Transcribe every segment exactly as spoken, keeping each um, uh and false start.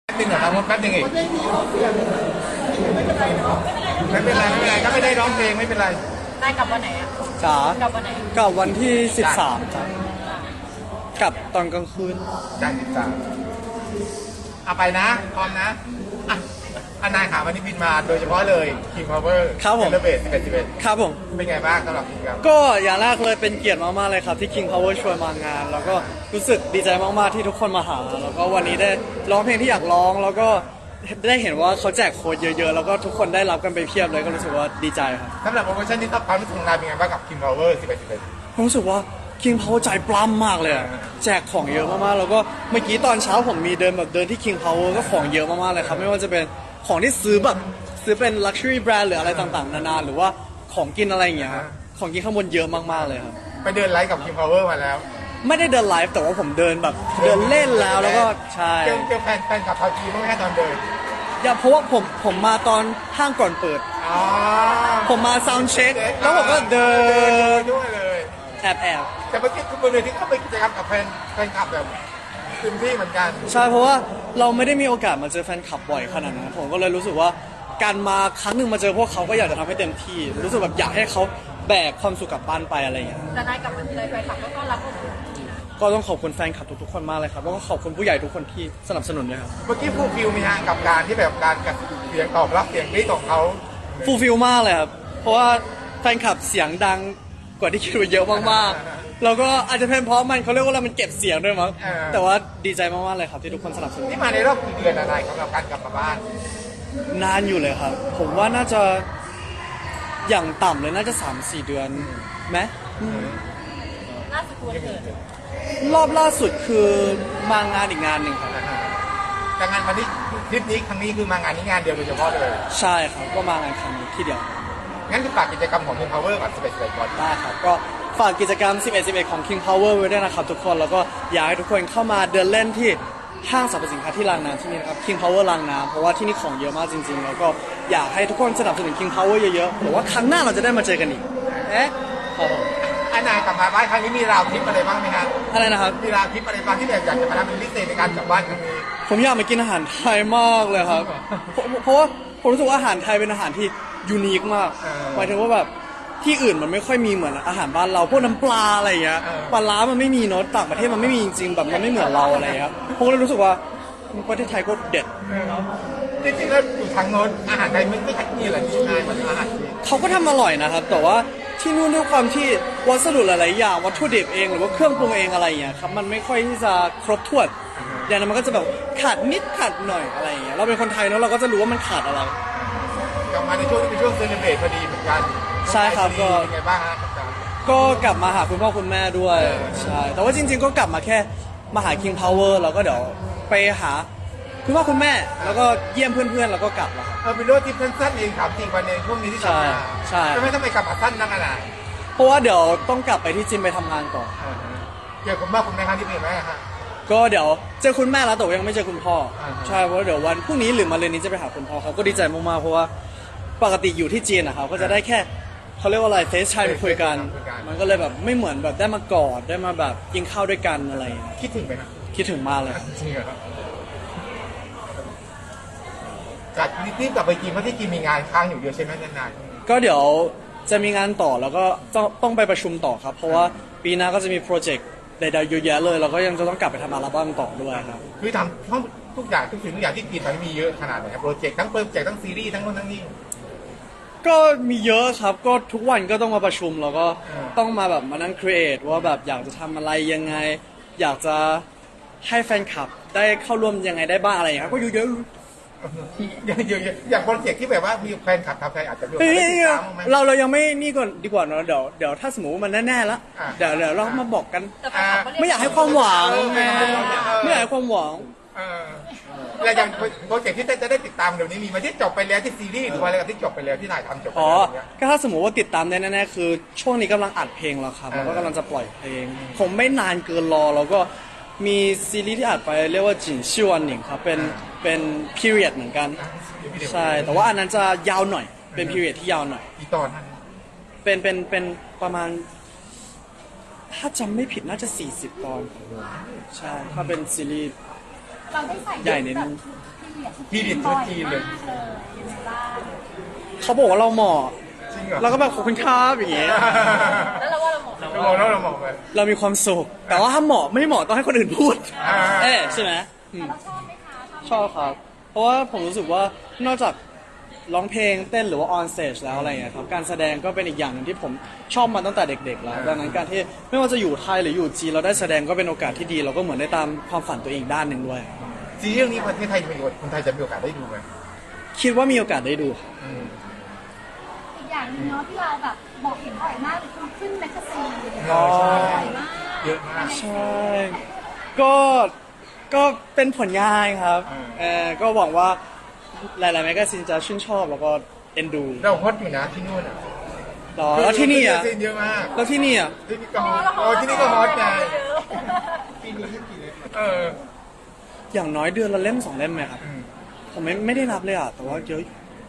หนึ่งเหรอครับแป๊บหนึงอีกไม่เป็นไรไม่เป็นไรก็ไม่ได้ร้องเพลงไม่เป็นไรได้กลับวันไหนอ่ะจ๋ากลับวันไหนกลับวันที่สิบสามจ้ะกลับตอนกลางคืนจ้าสิบสามเอาไปนะพร้อมนะอ่ะอนายขาวันนี้บินมาโดยเฉพาะเลย King Power ครับผมเซเลเบรตสิบเอ็ดสิบเอ็ดครับผมเป็นไงบ้างสำหรับกิจกรรมก็อย่างแรกเลยเป็นเกียรติมากๆเลยครับที่ King Power ชวนมางาน แล้วก็รู้สึกดีใจมากๆที่ทุกคนมาหาแล้วก็วันนี้ได้ร้องเพลงที่อยากร้องแล้วก็ได้เห็นว่าเขาแจกโค้ดเยอะๆแล้วก็ทุกคนได้รับกันไปเพียบเลยก็รู้สึกว่าดีใจครับสำหรับโปรโมชั่นนี้ต้องความรู้สึกของนายเป็นไงบ้างกับ King Power สิบเอ็ดสิบเอ็ดผมรู้สึกว่า King Power ใจปล้ำมากเลยแจกของเยอะมากๆแล้วก็เมื่อกี้ตอนเช้าผมมีเดินแบบเดินที่ King Power ก็ของเยอะมากๆเลยครับไม่ว่าจะเป็นของที่ซื้อแบบซื้อเป็น luxury brand หรืออะไรต่างๆนานาหรือว่าของกินอะไรอย่างเงี้ยของกินข้างบนเยอะมากๆเลยครับไปเดินไลฟ์กับ King Power มาแล้วไม่ได้เดินไลฟ์แต่ว่าผมเดินแบบเดินเล่นแล้วแล้วก็ใช่เจอเจอแฟนแฟนกับพาจีบ้างไหมตอนเดินอย่าเพราะว่าผมผมมาตอนห้างก่อนเปิดผมมาซาวด์เช็คแล้วผมก็เดินด้วยเลยแอบแอบแต่เมื่อกี้คุณบนเวทีเขาไปกิจกรรมกับแฟนแฟนคลับแบบเต็มที่เหมือนกันใช่เพราะว่าเราไม่ได้มีโอกาสมาเจอแฟนคลับบ่อยขนาดนั้นผมก็เลยรู้สึกว่าการมาครั้งหนึ่งมาเจอพวกเขาก็อยากจะทำให้เต็มที่รู้สึกแบบอยากให้เขาแบกความสุขกลับบ้านไปอะไรอย่างเงี้ยแต่นายกลับมาเลยแฟนคลับก็ต้อนรับพวกคุณก็ต้องขอบคุณแฟนคลับทุกๆคนมากเลยครับแล้วก็ขอบคุณผู้ใหญ่ทุกคนที่สนับสนุนด้วยครับเมื่อกี้ฟูลฟิลมีฮะกับการที่แบบการกับเสียงตอบรับเสียงกรี๊ดของเขาฟูลฟิลมากเลยครับเพราะว่าแฟนคลับเสียงดังกว่าที่คิดไว้เยอะมากๆแล้วก็อาจจะเป็นเพราะมันเขาเรียกว่ามันเก็บเสียงด้วยมั้งแต่ว่าดีใจมากๆเลยครับที่ทุกคนสนับสนุนนี่มาในรอบกี่เดือนอะไรสำหรับการกลับมาบ้านนานอยู่เลยครับผมว่าน่าจะอย่างต่ำเลยน่าจะ สามสี่ เดือนไหมล่าสุดวันเกิดรอบล่าสุดคือมางานอีกงานหนึ่งครับแต่งานวันนี้ทริปนี้ครั้งนี้คือมางานนี้งานเดียวโดยเฉพาะเลยใช่ครับก็มางานครั้งนี้ที่เดียวงั้นคือฝากกิจกรรมของ King Power กับสิบเอ็ดสิบเอ็ดก่อนได้ครับก็ฝากกิจกรรมสิบเอ็ด สิบเอ็ดของ King Power ไว้ด้วยนะครับทุกคนแล้วก็อยากให้ทุกคนเข้ามาเดินเล่นที่ห้างสรรพสินค้าที่รางน้ำที่นี่นะครับ King Power รางน้ำเพราะว่าที่นี่ของเยอะมากจริงๆแล้วก็อยากให้ทุกคนสนับสนุน King Power เยอะๆหรือว่าครั้งหน้าเราจะได้มาเจอกันอีกเอ๊ะครับผมอันนายกลับมาบ้านครั้งนี้มีราวทริปอะไรบ้างไหมครับอะไรนะครับมีราวทริปอะไรบ้างที่แบบอยากจะมาทำเป็นพิเศษในการกลับบ้านครั้งนี้ผมอยากมากินอาหารไทยมากเลยครับเพราะว่าผมรู้สึกว่าอาหารไทยเป็นอาหารที่ยูนิคมากหมายถึงว่าแบบที่อื่นมันไม่ค่อยมีเหมือนอาหารบ้านเราพวกน้ำปลาอะไรอย่างเงี้ยปลาล้ามันไม่มีเนาะต่างประเทศมันไม่มีจริงๆแบบมันไม่เหมือนเราอะไรครับผมเลยรู้สึกว่าประเทศไทยก็เด็ดจริงๆแล้วอยู่ทางโน้นอาหารไทยไม่ไม่ค่อยมีอะไรที่นายมันอาหารเขาก็ทำอร่อยนะครับแต่ว่าที่นู่นด้วยความที่วัสดุหลายๆอย่างวัตถุดิบเองหรือว่าเครื่องปรุงเองอะไรอย่างเงี้ยครับมันไม่ค่อยที่จะครบถ้วนอย่างนั้นมันก็จะแบบขาดนิดขาดหน่อยอะไรอย่างเงี้ยเราเป็นคนไทยเนาะเราก็จะรู้ว่ามันขาดอะไรกลับมาในช่วงที่เป็นช่วงเซเลบเรตพอดีเหมือนกันใช่ครับก็เป็นไงบ้างฮะก็กลับมาหาคุณพ่อคุณแม่ด้วยใช่แต่ว่าจริงๆก็กลับมาแค่มาหา King Power แล้วก็เดี๋ยวไปหาคุณพ่อคุณแม่แล้วก็เยี่ยมเพื่อนๆแล้วก็กลับแล้วเออเป็นรถที่สั้นๆเองครับจริงวันเองช่วงนี้ที่กลับมาใช่จะไม่ต้องไปกลับมาสั้นนักอะไรเพราะว่าเดี๋ยวต้องกลับไปที่จิมไปทำงานก่อนเจอคุณพ่อคุณแม่ครั้งที่เป็นไหมฮะก็เดี๋ยวเจอคุณแม่แล้วแต่ยังไม่เจอคุณพ่อใช่เพราะเดี๋ยววันพรุ่งนี้หรือมะรืนนี้จะไปหาคุณพ่อเขาก็ดีใจมากๆเพราะว่าปกติอยู่ที่จีนนะครับก็จะได้แค่เขาเรียกว่าอะไรเฟซไทม์คุยกันมันก็เลยแบบไม่เหมือนแบบได้มากอดได้มาแบบกินข้าวด้วยกันอะไรคิดถึงไหมครับคิดถึงมากเลยจริงเหรอครับจากรีบกลับไปจีนเพราะที่จีนมีงานค้างอยู่เยอะใช่ไหมนานๆก็เดี๋ยวจะมีงานต่อแล้วก็ต้องต้องไปประชุมต่อครับเพราะว่าปีหน้าก็จะมีโปรเจกต์ใดๆเยอะแยะเลยแล้วก็ยังจะต้องกลับไปทำอัลบั้มต่อด้วยครับคือทำทุกอย่างทุกสิ่งทุกอย่างที่จีนตอนนี้มีเยอะขนาดไหนครับโปรเจกต์ทั้งโปรเจกต์ทั้งซีรีส์ทั้งโน้นทั้งนี้ก็มีเยอะครับก็ทุกวันก็ต้องมาประชุมแล้วก็ต้องมาแบบมานั่งครีเอทว่าแบบอยากจะทำอะไรยังไงอยากจะให้แฟนคลับได้เข้าร่วมยังไงได้บ้างอะไรอย่างเงี้ยก็เยอะเยอะอย่างอย่างโปรเจกต์ที่แบบว่ามีแฟนคลับทำใครอาจจะเฮ้ยเราเรายังไม่นี่ก่อนดีกว่าเนาะเดี๋ยวเดี๋ยวถ้าสมมติว่ามันแน่ๆแล้วเดี๋ยวเดี๋ยวเรามาบอกกันไม่อยากให้ความหวังไม่อยากให้ความหวังแล้วอย่างโปรเจกต์ที่จะได้ติดตามเดี๋ยวนี้มีมาที่จบไปแล้วที่ซีรีส์หรือว่าอะไรที่จบไปแล้วที่ถ่ายทำจบไปอ๋อก็ถ้าสมมติว่าติดตามได้แน่ๆคือช่วงนี้กำลังอัดเพลงแล้วครับแล้วก็กำลังจะปล่อยเพลงผมไม่นานเกินรอแล้วก็มีซีรีส์ที่อัดไปเรียกว่าจินชิวันหนิงครับเป็นเป็น period เหมือนกันใช่แต่ว่าอันนั้นจะยาวหน่อยเป็น period ที่ยาวหน่อยกี่ตอนเป็นเป็นเป็นประมาณถ้าจำไม่ผิดน่าจะสี่สิบตอนใช่ถ้าเป็นซีรีส์ใหญ่นิดนึงทเปลี่ยนพี่ดิดบ่ชุอดยจีนเลยมากเลยยังไงบ้างเขาบอกว่าเราเหมาะจริงเหรอเราก็แบบขอบคุณครับอย่างเงี้ยแล้วเราว่าเราเหมาะเรามองแล้วเรามองไปเรามีความสุข แต่ว่าถ้าเหมาะไม่เหมาะต้องให้คนอื่นพูดอ่าเอ๊ะใช่ไหมอืมเราชอบไหมคะชอบครับ เพราะว่าผมรู้สึกว่านอกจากร้องเพลงเต้นหรือว่า on stage แล้วอะไรเงี้ยครับ การแสดงก็เป็นอีกอย่างหนึ่งที่ผมชอบมาตั้งแต่เด็กๆ แล้ว ดังนั้นการที่ไม่ว่าจะอยู่ไทยหรืออยู่จีนเราได้แสดงก็เป็นโอกาสที่ดี เราก็เหมือนได้ตามความฝันตัวเองด้านหนึ่งด้วยซีรีส์เรื่องนี้ประเทศไทยจะมีคนไทยจะมีโอกาสได้ดูไหมคิดว่ามีโอกาสได้ดูครับอืมอีกอย่างหนึงเนาะที่เราแบบบอกเห็นบ่อยมากเลยคือขึ้นแมกกาซีนอ๋อใช่บ่อยมากเยอะมากใช่ ก็ก็เป็นผลงานครับอืมเออก็หวังว่าหลายๆแมกกาซีนจะชื่นชอบแล้วก็เอ็นดูเราฮอตอยู่นะที่นู่นอ่ะหรอแล้วที่นี่อ่ะซีนเยอะมากแล้วที่นี่อ่ะที่นี่ก็ฮอตเออที่นี่ก็ฮอตไงเอออย่างน้อยเดือนละเล่มสองเล่มไหมครับอืมผมไม่ไม่ได้นับเลยอ่ะ แต่ว่าเยอะ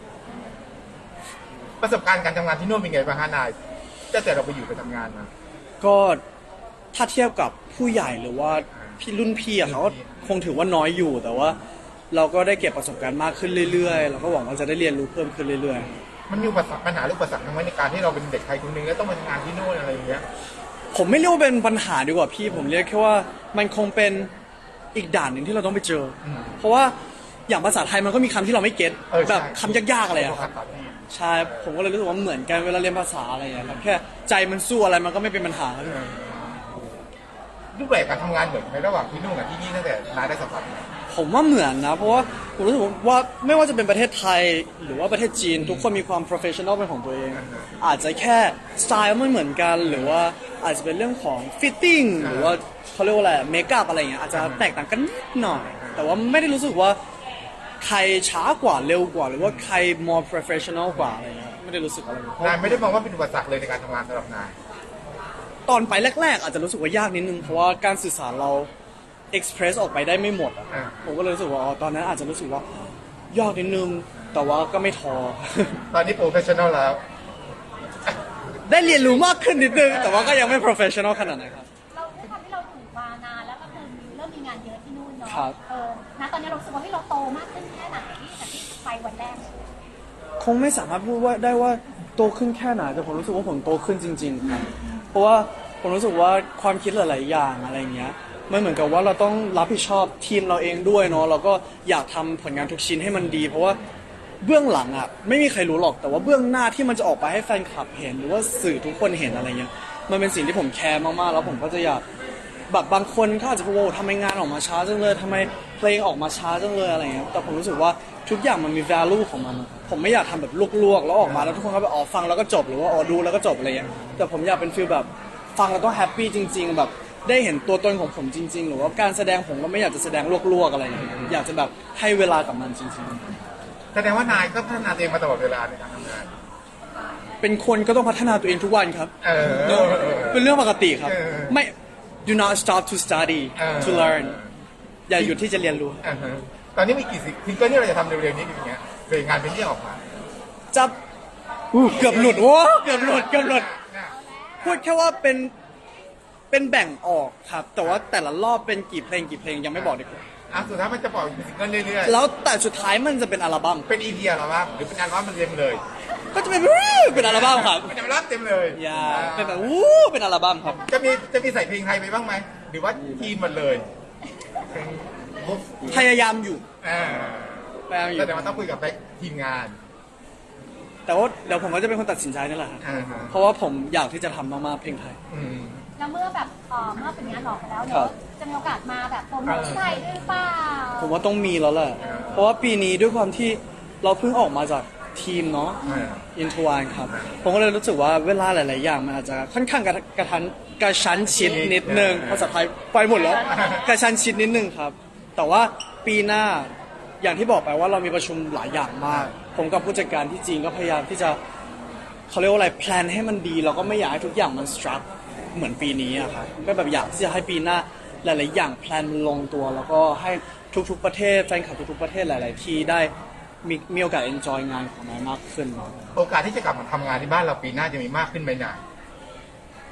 ประสบการณ์การทำงานที่นู่นเป็นไงบ้างฮะนายตั้งแต่เราไปอยู่ไปทำงานมาก็ถ้าเทียบกับผู้ใหญ่หรือว่าพี่รุ่นพี่อะเขาก็คงถือว่าน้อยอยู่ แต่ว่าเราก็ได้เก็บประสบการณ์มากขึ้นเรื่อยๆ เราก็หวังว่าจะได้เรียนรู้เพิ่มขึ้นเรื่อยมันมีอุปสรรคปัญหาหรืออุปสรรคทั้งไหมในการที่เราเป็นเด็กไทยคนหนึงแล้วต้องมาทำงานที่นู่นอะไรอย่างเงี้ยๆ ผมไม่เรียกว่าเป็นปัญหาดีกว่าพี่ ผมเรียกแค่ว่ามันคงเป็นอีกด่านหนึ่งที่เราต้องไปเจออมเพราะว่าอย่างภาษาไทยมันก็มีคำที่เราไม่เก็ตเออใช่แบบคำยากๆอะไรอะครับ ใช่ ผมก็เลยรู้สึกว่าเหมือนกันเวลาเรียนภาษาอะไรอย่างเงี้ยครับแค่ใจมันสู้อะไรมันก็ไม่เป็นปัญหาครับรูปแบบการทำงานเหมือนไหมระหว่างที่นู่นกับที่นี่ตั้งแต่นายได้สัมผัสมาผมว่าเหมือนนะเพราะว่าผมรู้สึกว่าไม่ว่าจะเป็นประเทศไทยหรือว่าประเทศจีน ทุกคนมีความ professional เป็นของตัวเอง อาจจะแค่สไตล์ไม่เหมือนกัน หรือว่าอาจจะเป็นเรื่องของ fitting หรือว่าเขาเรียกว่าอะไรเมคอัพอะไรอย่างเงี้ยอาจจะแตกต่างกันนิดหน่อย แต่ว่าไม่ได้รู้สึกว่าใครช้ากว่าเร็วกว่า หรือว่าใคร more professional กว่าอะไรเงี้ยไม่ได้รู้สึกอะไรเลยนายไม่ได้มองว่าเป็นอุปสรรคเลยในการทำงานสำหรับนายตอนไปแรกๆ อาจจะรู้สึกว่ายากนิดนึงเพราะว่าการสื่อสารเรา express ออกไปได้ไม่หมดอะอ่าผมก็เลยรู้สึกว่าอ๋อตอนนั้นอาจจะรู้สึกว่ายากนิดนึง แต่ว่าก็ไม่ท้อตอนนี้โปรเฟชชั่นอลแล้วได้เรียนรู้มากขึ้นนิดนึง แต่ว่าก็ยังไม่ professional ขนาดไหนครับเราด้วยความที่เราถูกมานานแล้วก็คือเริ่มมีงานเยอะที่นู่นเนาะครับเออณตอนนี้เรารู้สึกว่าที่เราโตมากขึ้นแค่ไหนจากที่ไปวันแรกคงไม่สามารถพูดว่าได้ว่าโตขึ้นแค่ไหนแต่ผมรู้สึกว่าผมโตขึ้นจริงๆครับเพราะว่าผมรู้สึกว่าความคิดหลายๆอย่างอะไรเงี้ยมันเหมือนกับว่าเราต้องรับผิดชอบทีมเราเองด้วยเนาะเราก็อยากทำผลงานทุกชิ้นให้มันดี เพราะว่าเบื้องหลังอ่ะไม่มีใครรู้หรอกแต่ว่าเบื้องหน้าที่มันจะออกไปให้แฟนคลับเห็นหรือว่าสื่อทุกคนเห็นอะไรเงี้ยมันเป็นสิ่งที่ผมแคร์มากๆแล้วผมก็จะอยากแบบบางคนเขาอาจจะพูดว่าทำไมงานออกมาช้าจังเลยทำไมเพลงออกมาช้าจังเลยอะไรเงี้ยแต่ผมรู้สึกว่าทุกอย่างมันมี value ของมัน ผมไม่อยากทำแบบลวกๆแล้วออกมาแล้วทุกคนก็แบบอ๋อฟังแล้วก็จบหรือว่าอ๋อดูแล้วก็จบอะไรเงี้ยแต่ผมอยากเป็นฟีลแบบฟังแล้วต้องแฮปปี้จริง ๆ แบบได้เห็นตัวตนของผมจริง ๆ หรือว่าการแสดงผมก็ไม่อยากจะแสดงลวกๆอะไรอย่างเงี้ยอยากจะแบบให้เวลากับมันจริงแสดงว่านายก็พัฒนาตัวเองมาตลอดเวลาในการทำงานๆ เป็นคนก็ต้องพัฒนาตัวเองทุกวันครับเออเนอะเป็นเรื่องปกติครับเออไม่ do not stop to study เออ to learn อย่าหยุดที่จะเรียนรู้อ่าฮะตอนนี้มีกี่ซิงซิงเกิลที่เราจะทำเร็วๆนี้อย่างเงี้ยเพลงงานเป็นที่ออกมาจะอู้เกือบหลุดโอ้เกือบหลุดเกือบหลุด พูดแค่ว่าเป็นเป็นแบ่งออกครับ แต่ว่าแต่ละรอบเป็นกี่เพลงกี่เพลงยังไม่บอกดีกว่าอ่ะสุดท้ายมันจะปล่อยเป็นซิงเกิลเรื่อยแล้วแต่สุดท้ายมันจะเป็นอัลบั้มๆ เป็นอีพีเหรอครับหรือเป็นอัลบั้มมันเต็มเลยก็จะเป็นเป็นอัลบั้มครับเป็นอัลบั้มเต็มเลยอย่าเป็นแบบอู้เป็นอัลบั้มครับจะมีจะมีใส่เพลงไทยไปบ้างไหมหรือว่าทีมหมดเลยเพลงบุ๊บพยายามอยู่อ่าพยายามอยู่แต่ว่าต้องคุยกับทีมงานแต่ว่าเดี๋ยวผมก็จะเป็นคนตัดสินใจนั่นแหละครับอ่าฮะเพราะว่าผมอยากที่จะทำมากๆเพลงไทยอืมแล้วเมื่อแบบเออเมื่อเป็นงานหลอกไปแล้วครัเนาะบจะมีโอกาสมาแบบโปรโมทที่ไทยด้วยหรือเปล่าผมว่าต้องมีแล้วแหละ เพราะว่าปีนี้ด้วยความที่เราเพิ่งออกมาจากทีมเนาะอ่าอินทวานครับ ผมก็เลยรู้สึกว่าเวลาหลาย ๆ อย่างมันอาจจะค่อนข้างกระกระทันกระชั้นชิดนิดนึงภาษาไทยไปหมดแล้ว กระชั้นชิดนิดนึงครับ แต่ว่าปีหน้าอย่างที่บอกไปว่าเรามีประชุมหลายอย่างมาก ผมกับผู้จัดการที่จีนก็พยายามที่จะเขาเรียกว่าอะไรแพลนให้มันดีแล้วก็ไม่อยากให้ทุกอย่างมันสตรัคเหมือนปีนี้อะครับก็แบบอยากที่จะให้ปีหน้าหลาย ๆ อย่างแพลนมันลงตัว แล้วก็ให้ทุก ๆ ประเทศแฟนคลับทุก ๆ ประเทศหลาย ๆ ที่ได้มีมีโอกาสเอนจอยงานของนายมากขึ้นเนาะโอกาสที่จะกลับมาทำงานที่บ้านเราปีหน้าจะมีมากขึ้นไหมนายผ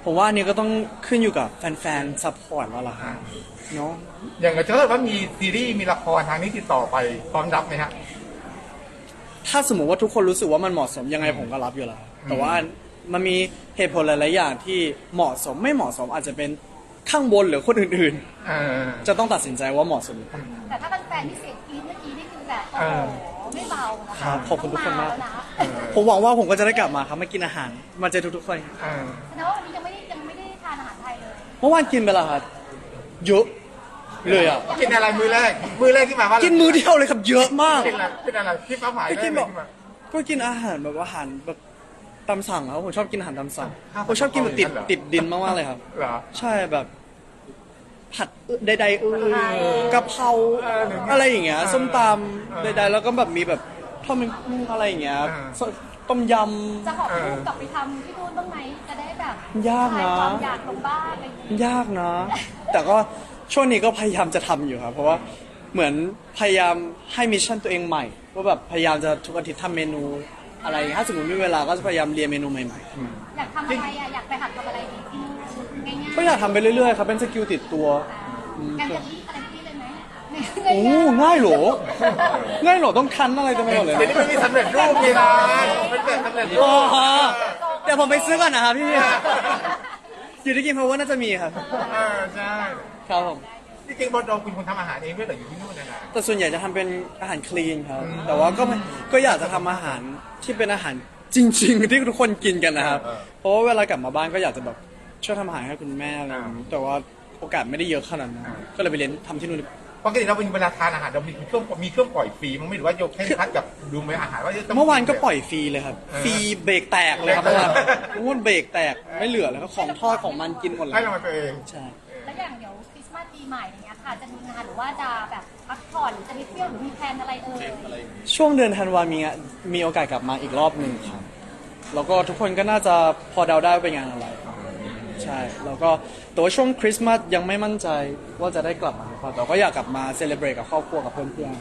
ผมว่าอันนี้ก็ต้องขึ้นอยู่กับแฟนๆซัพพอร์ตแล้วล่ะครับเนาะอย่างถ้าเกิดว่ามีซีรีส์มีละครทางนี้ติดต่อไปพร้อมรับไหมฮะถ้าสมมติว่าทุกคนรู้สึกว่ามันเหมาะสมยังไงผมก็รับอยู่แล้วแต่ว่ามันมีเหตุผลหลายๆอย่างที่เหมาะสมไม่เหมาะสมอาจจะเป็นข้างบนหรือคนอื่นเออๆ จะต้องตัดสินใจว่าเหมาะสมหรือเปล่าแต่ถ้าเป็นแฟนที่เสียงกรี๊ดเมื่อกี้นี่คือแบบโอ้โหไม่เบานะครัคะบขอบคุณทุกคนมากต้องแล้วนะเออผมหวังว่าผมก็จะได้กลับมาครับมากินอาหาร มาเจอทุกๆคนเออแสดงว่าวันนี้ยังไม่ได้ยังไม่ได้ทานอาหารไทยเลยเมื่อวานกินไปแล้วครับเยอะเลยอ่ะกินอะไรมือแรกมือแรกที่มาว่ากินมือเดียวเลยครับเยอะมากกินอะไรกินอะไรที่ป้าหมายไปกินได้แบบเลยที่มาก็กินอาหารแบบอาหารแบบตามสั่งครับผมชอบกินอาหารตามสั่งข้าวผมชอบกินแบบติดเหรอติดดินมากๆเลยครับเหรอใช่แบบ ผัดใดๆเออกะเพราเออหรืออะไรอย่างเงี้ยเออส้มตเออำใดๆแล้วก็แบบมีแบบทอดมันกุ้งอะไรอย่างเงี้ยเออสต้มยจะหอบลูกกลับไปทำที่นู่นบ้างไหมจะได้แบบยากนะคลความอยากลงบ้านอะไรอย่างเงี้ยำยากนะ แต่ก็ช่วงนี้ก็พยายามจะทำอยู่ครับเพราะว่าเหมือนพยายามให้มิชชั่นตัวเองใหม่ว่าแบบพยายามจะทุกอาทิตย์ทำเมนูอะไรอย่างเงี้ยถ้าสมมติมีเวลาก็จะพยายามเรียนเมนูใหม่อยากทำอะไรอ่ะอยากไปหัดทำอะไรดีที่นู่นง่ายๆๆก็อยากทำไปเรื่อยๆครับเป็นสกิลติดตัวงานจะที่อะไรที่เลยไหมโอ้ง่ายเหรอ ง่ายเหรอต้องคันอะไรเต็มไปหมดเลยเดี๋ยวนี้มันมีสำเร็จรูปนี่นะมันเป็นสำเร็จรูอ๋อปเดี๋ยวผมไปซื้อก่อนนะครับพี่อยู่ที่กินเพราะว่าน่าจะมีครับเออใช่ครับผมจริงๆบอลเราคุณคนทำอาหารเองด้วยเหรออยู่ที่นู่นนะนะแต่ส่วนใหญ่จะทำเป็นอาหารคลีนครับอืมแต่ว่าก็ไม่ก็อยากจะทำอาหารที่เป็นอาหารจริง ๆ ที่ทุกคนกินกันนะครับเออเพราะว่าเวลากลับมาบ้านก็อยากจะแบบช่วยทำอาหารให้คุณแม่อะไรอย่างงี้อ่าแต่ว่าโอกาสไม่ได้เยอะขนาดนั้นอ่าก็เลยไปเรียนทำที่นู่นปกติเราเป็นเวลาทานอาหารเรามีช่วงมีช่วงปล่อยฟรีมั้งไม่หรือว่าโยกให้คัดกับดูไหมอาหารว่าจะต้องเมื่อวานก็ปล่อยฟรีเลยครับเออฟรีเบรกแตกเลยครับเบรเมื่อก วานแตกเมื่อวานเบรกแตกไม่เหลือเลยครับของทอดของมันกินหมดเลยให้เรามาตัวเองใช่แล้วอย่างเดี๋ยวคริสต์มาสปีใหม่อย่างเงี้ยค่ะจะมีงานหรือว่าจะแบบพักผ่อนหรือจะไปเที่ยวหรือมีแพลนอะไรเอ่ยช่วงเดือนธันวามีงานมีโอกาสกลับมาอีกรอบหนึ่งครับ แล้วก็ทุกคนก็น่าจะพอเดาได้ว่าเป็นงานอะไร ใช่ แล้วก็แต่ว่าช่วงคริสต์มาสยังไม่มั่นใจว่าจะได้กลับมาหรือเปล่าแต่ก็อยากกลับมาเซเลบรตกับครอบครัวกับเพื่อน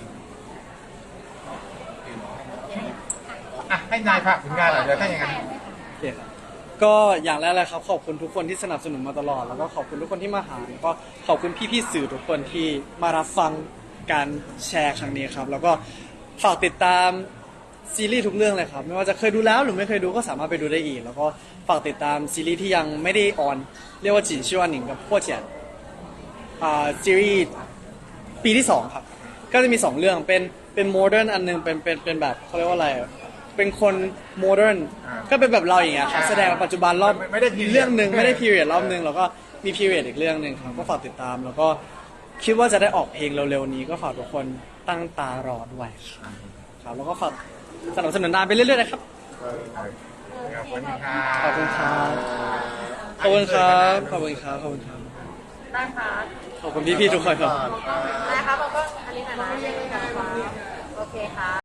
อ่ะให้นายฝากถึงงานหน่อยเดี๋ยวถ้าอย่างนั้นๆโอเคครับก็อย่างแรกเลยครับขอบคุณทุกคนที่สนับสนุนมาตลอด แล้วก็ขอบคุณทุกคนที่มาหาแล้วก็ขอบคุณพี่ๆสื่อทุกคนที่มารับฟังการแชร์ครั้งนี้ครับ แล้วก็ฝากติดตามซีรีส์ทุกเรื่องเลยครับ ไม่ว่าจะเคยดูแล้วหรือไม่เคยดูก็สามารถไปดูได้อีก แล้วก็ฝากติดตามซีรีส์ที่ยังไม่ได้ออน เรียกว่าจินชื่อว่าหนิงกับพวกเจียนอ่าซีรีส์ปีที่สองครับ ก็จะมีสองเรื่องเป็นเป็นโมเดิร์นอันหนึงเป็นเป็นเป็นแบบเขาเรียกว่าอะไรอะเป็นคนโมเดิร์นอ่าก็เป็นแบบเราอย่างเงี้ยครับอ่าแสดงปัจจุบันรอบไม่ไม่ได้ period เรื่องหนึ่งไม่ได้พีเรียดรอบหนึ่งแล้วก็มีพีเรียดอีกเรื่องหนึ่งครับก็ฝากติดตาม แล้วก็คิดว่าจะได้ออกเพลงเร็วๆนี้ก็ฝากทุกคนตั้งตารอด้วยครับครับแล้วก็ฝากสนับสนุนนานไปเรื่อยๆนะครับขอบคุณครับขอบคุณครับขอบคุณครับขอบคุณครับขอบคุณครับได้ค่ะขอบคุณพี่ๆทุกคนครับได้ค่ะเราก็อันนี้หน่อยนะโอเคค่ะ